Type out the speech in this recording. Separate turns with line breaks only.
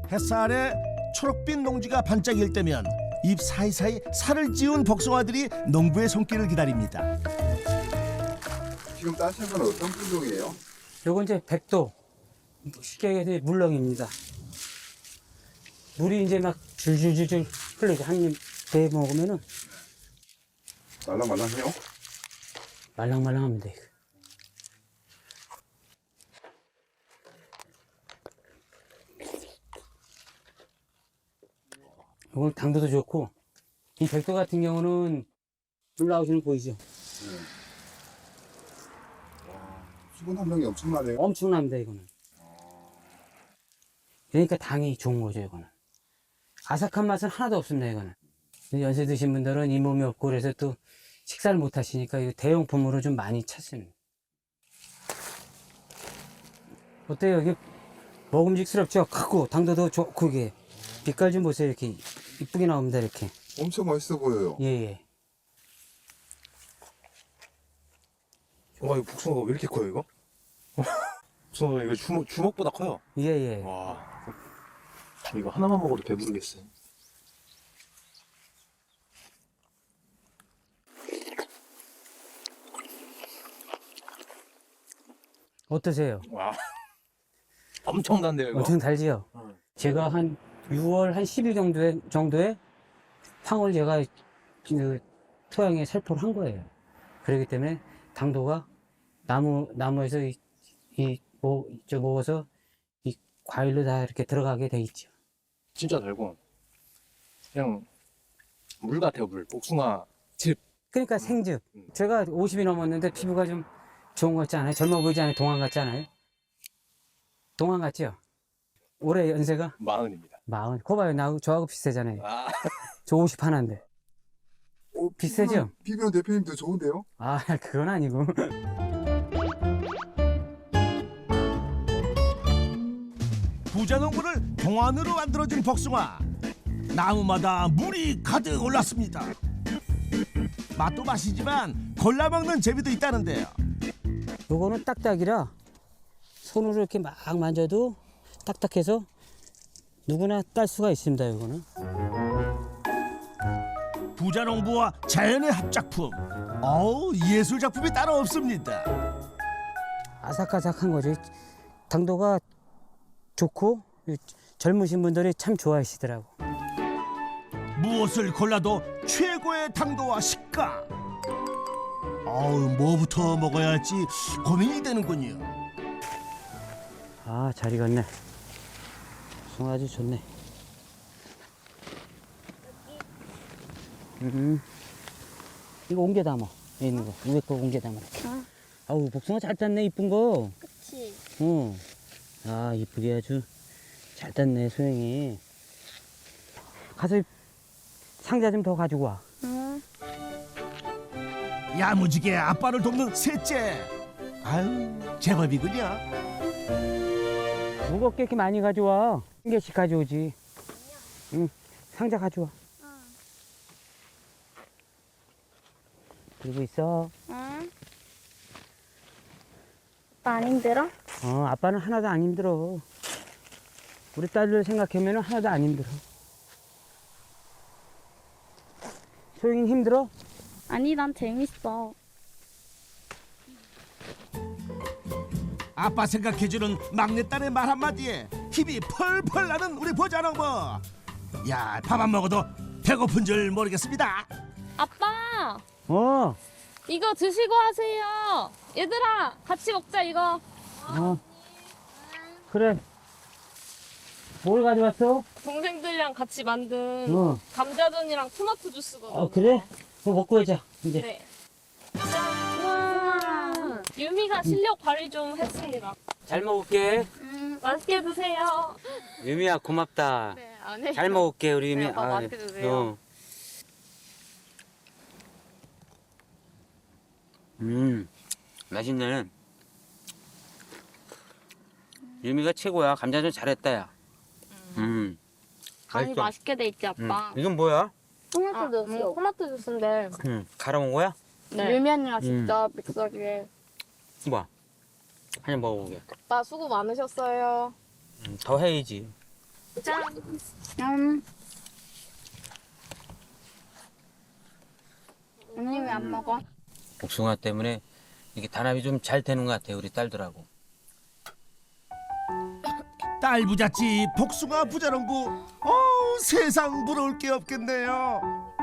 햇살에 초록빛 농지가 반짝일 때면 잎 사이사이 살을 찌운 복숭아들이 농부의 손길을 기다립니다.
지금 따신 건 어떤 품종이에요?
요건 이제 백도 쉽게 얘기해서 물렁입니다. 물이 이제 막 줄줄줄줄 흘러서 한 입 배 먹으면은
말랑말랑해요?
말랑말랑합니다. 이거. 이건 당도도 좋고, 이 백도 같은 경우는 물 나오시는 거 보이죠?
수분 함량이 엄청나네요.
엄청납니다, 이거는. 그러니까 당이 좋은 거죠, 이거는. 아삭한 맛은 하나도 없습니다, 이거는. 연세 드신 분들은 이 몸이 없고 그래서 또 식사를 못 하시니까 이 대용품으로 좀 많이 찾습니다. 어때요? 이게 먹음직스럽죠? 크고 당도도 좋고 이게 빛깔 좀 보세요. 이렇게 이쁘게 나옵니다. 이렇게.
엄청 맛있어 보여요.
예예.
와, 이거 복숭아가 왜 이렇게 커요, 이거? 복숭아가 이거 주먹보다 커요.
예예.
와, 이거 하나만 먹어도 배부르겠어요.
어떠세요?
와, 엄청난데요, 이거?
엄청 달지요? 제가 한 6월 한 10일 정도에 황을 제가 그 토양에 살포를 한 거예요. 그렇기 때문에 당도가 나무에서 먹어서 이 과일로 다 이렇게 들어가게 돼 있죠.
진짜 달고 그냥 물 같아요, 물. 복숭아 즙.
그러니까 생즙. 제가 50이 넘었는데 피부가 좀 좋은 것 같지 않아요? 젊어 보이지 않아요? 동안 같지 않아요? 동안 같죠? 올해 연세가
40입니다.
40. 거 봐요. 저하고 비슷하잖아요.
아,
저 50 하나인데. 비슷하죠?
피부는 대표님 더 좋은데요?
아, 그건 아니고.
부자 농부를 동안으로 만들어준 복숭아. 나무마다 물이 가득 올랐습니다. 맛도 맛이지만 골라 먹는 재미도 있다는데요.
요거는 딱딱이라 손으로 이렇게 막 만져도 딱딱해서 누구나 딸 수가 있습니다. 요거는.
부자 농부와 자연의 합작품. 어우, 예술 작품이 따로 없습니다.
아삭아삭한 거죠. 당도가 좋고 젊으신 분들이 참 좋아하시더라고.
무엇을 골라도 최고의 당도와 식감. 어우, 뭐부터 먹어야 할지 고민이 되는군요.
아, 잘 익었네. 송 아주 좋네. 이거 옮겨 담아. 여기 있는 거. 위에 거 옮겨 담아. 아우, 복숭아 잘 땄네, 이쁜 거.
그치.
어. 아, 이쁘게 아주 잘 땄네, 소영이. 가서 상자 좀 더 가지고 와.
응.
야무지게 아빠를 돕는 셋째. 아유, 제법이군요.
무겁게 이렇게 많이 가져와. 한 개씩 가져오지. 응, 상자 가져와. 그리고 있어.
응. 오빠 안 힘들어?
아빠는 하나도 안 힘들어. 우리 딸을 생각하면 하나도 안 힘들어. 소영이는 힘들어?
아니, 난 재밌어.
아빠 생각해주는 막내딸의 말 한마디에 힘이 펄펄 나는 우리 보자농부. 야, 밥 안 먹어도 배고픈 줄 모르겠습니다.
아빠!
어,
이거 드시고 하세요. 얘들아, 같이 먹자, 이거.
그래. 뭘 가져왔어?
동생들이랑 같이 만든
어.
감자전이랑 토마토 주스거든요.
그래? 그거 먹고 하자, 이제.
네. 우와. 유미가 실력 발휘 좀 했습니다.
잘 먹을게.
맛있게 드세요.
유미야, 고맙다.
네, 안 해.
잘 먹을게, 우리 유미.
네, 오빠 맛있게 드세요.
맛있네. 유미가 최고야. 감자전 잘했다, 야.
간이
맛있어.
맛있게 돼 있지, 아빠.
이건 뭐야?
토마토 주스. 토마토 주스인데.
갈아 먹은 거야?
네. 유미 언니가 직접 믹서기에.
뭐야? 한입 먹어보게.
아빠 수고 많으셨어요.
더 해야지.
짠.
언니 왜 안 먹어?
복숭아 때문에 이게 단합이 좀 잘 되는 것 같아요, 우리 딸들하고.
딸 부잣집 복숭아 부자농부. 세상 부러울 게 없겠네요.